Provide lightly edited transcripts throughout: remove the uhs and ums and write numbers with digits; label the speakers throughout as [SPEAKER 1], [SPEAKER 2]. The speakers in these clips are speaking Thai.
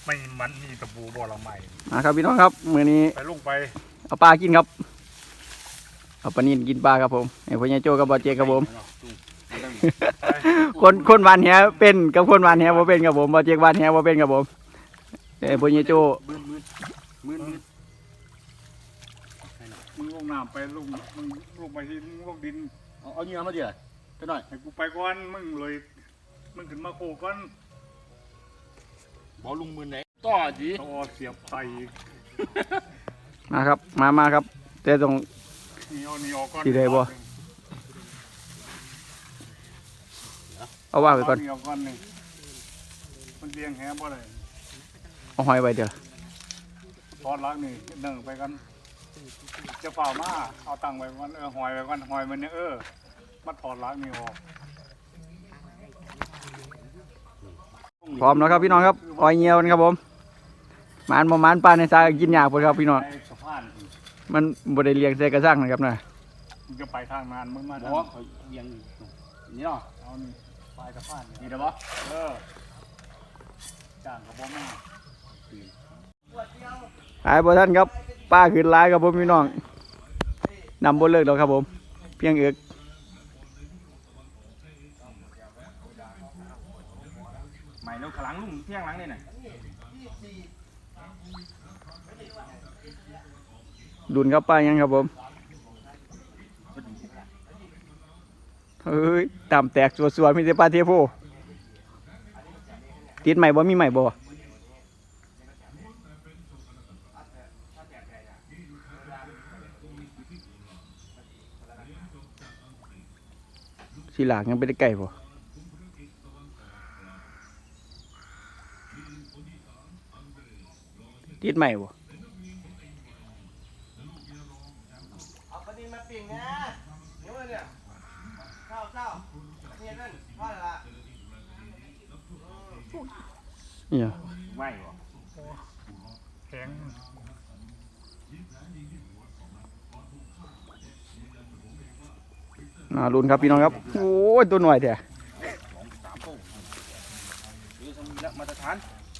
[SPEAKER 1] ไม่มันมีตะปูบ่อละไม้
[SPEAKER 2] ครับพี่น้องครับมื้อนี้
[SPEAKER 1] ไปลงไป
[SPEAKER 2] เอาปลากินครับเอาปลานิ่นกินปลาครับผมไอ้พ่อใหญ่โจ้กับบอเจครับผมคนวานแหเป็นกับคนวานแหบ่เป็นครับผมบอเจวานแหบ่เป็นครับผมไอ้พ่อใหญ่โจ้
[SPEAKER 1] มือมึงลงน้ำไปลงมึงลงไปที่มึงลงดิน
[SPEAKER 3] เอาเงี้ยมาเดี๋ยวไปหน่อย
[SPEAKER 1] ให้กูไปก่อนมึงเลยมึงขึ้นมาโคก่อน
[SPEAKER 3] บอลุงมือไหนต่อจี
[SPEAKER 1] ต่อเสียบไต
[SPEAKER 2] มาครับมาครับแต่ต้อง
[SPEAKER 1] นี่ออกก่อน
[SPEAKER 2] ที่ใดบ่เอาว่าไปก่อน
[SPEAKER 1] นี่ออกก่อนนึงมันเลี้ยงแหบ่ได้
[SPEAKER 2] เอาหอยไปเดี๋ยว
[SPEAKER 1] ทอดล้างนี่นึ่งไปกันจะฝ่ามาเอาตังไว้ก่อนหอยไว้ก่อนหอยมันเนี่ยมาถอดล้างนี่ออก
[SPEAKER 2] พร้อมแล้วครับพี่น้องครับหอยเงียวนะครับผมมันปลาในทรายกินยากเลยครับพี่น้องมันบริเลียงใส่กระซังนะครับนะ
[SPEAKER 1] มึงจะไปทางนานมึงมา
[SPEAKER 3] บอกว่าเขาเลี้ยงนี่เนาะ
[SPEAKER 1] เอานี่ปลายกระพาน
[SPEAKER 3] นี่เด้อบ่
[SPEAKER 1] จ้างกระบอกมา
[SPEAKER 2] หายบ่ท่านครับป้าขึ้นร้ายครับผมพี่น้องนำบนเลิกแล้วครับผมเพียงเอือก
[SPEAKER 3] ใหม่แล้วขลังลุงเที่ยงหลังนี่น่ะ
[SPEAKER 2] ดุนครับป้ายังครับผมเฮ้ยตามแตกสวยๆมีแต่ปลาเทโพติดใหม่บ่มีใหม่บ่สีหลากยังไปได้ไก่บ่ติดใหม่บ่
[SPEAKER 4] เอาปลาดินมาปิ่งนะเดี๋ยวเนี่ยเศร้าเนี่ยนั่นพ่อละ
[SPEAKER 2] เนี่ย
[SPEAKER 3] ไม่บ่
[SPEAKER 1] แข็ง
[SPEAKER 2] ลุ้นครับพี่น้องครับโอ้ยตัวหน่อยแท้
[SPEAKER 3] 3 โต้นี่ทำแล้วมาตรฐาน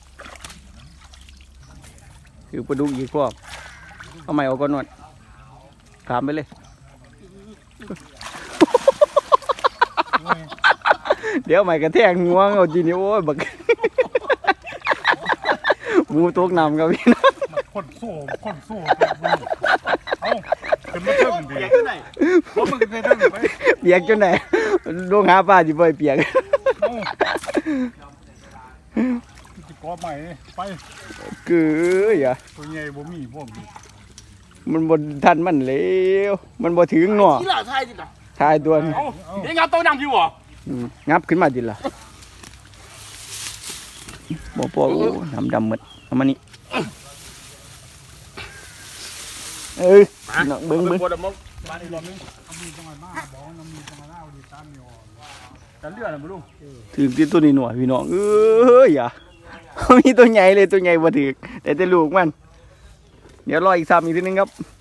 [SPEAKER 2] คือปลาดุกอีกพวกเอาใหม่เอาก่อนหน่อยถามไปเลยเดี๋ยวใหม่กระแทกงวงเอาจีนี่โอ้ยบักมูตกน้ำครับพี่น้อง
[SPEAKER 1] คนสู้เอาขึ้นมาเทิงดิ
[SPEAKER 3] เปียกที่ไหน
[SPEAKER 1] เพราะมึงขึ้นเทิงไป
[SPEAKER 2] เปียกจนไหนลงหาปลาจีบอยเปียก
[SPEAKER 1] จิกอใหม่ไป
[SPEAKER 2] คืออย่า
[SPEAKER 1] ตัวใหญ่บ่มีพวก
[SPEAKER 2] มันบนทันมันเร็วมันบ่ถึงหนอ
[SPEAKER 3] ที่ละทายดิล่ะ
[SPEAKER 2] ทายตัว
[SPEAKER 3] นี้เดี๋ยวงับตัวนำอยู่บ่
[SPEAKER 2] งับขึ้นมาดิล่ะบ่พอดำหมดเอามานี่เบิ้ง
[SPEAKER 1] มาอีกรอบนึงมีจังหวะมาบอกมีจังหวะเอาดีตามนี่ออกกันเลือดนะบ่ลุง
[SPEAKER 2] ถึงที่ตัวนี้หน่อยพี่น้องอย่ามีตัวใหญ่เลยตัวใหญ่บ่ถึงแต่ลูกมันเดี๋ยวรออีกซ้ำอีกทีนึงครับ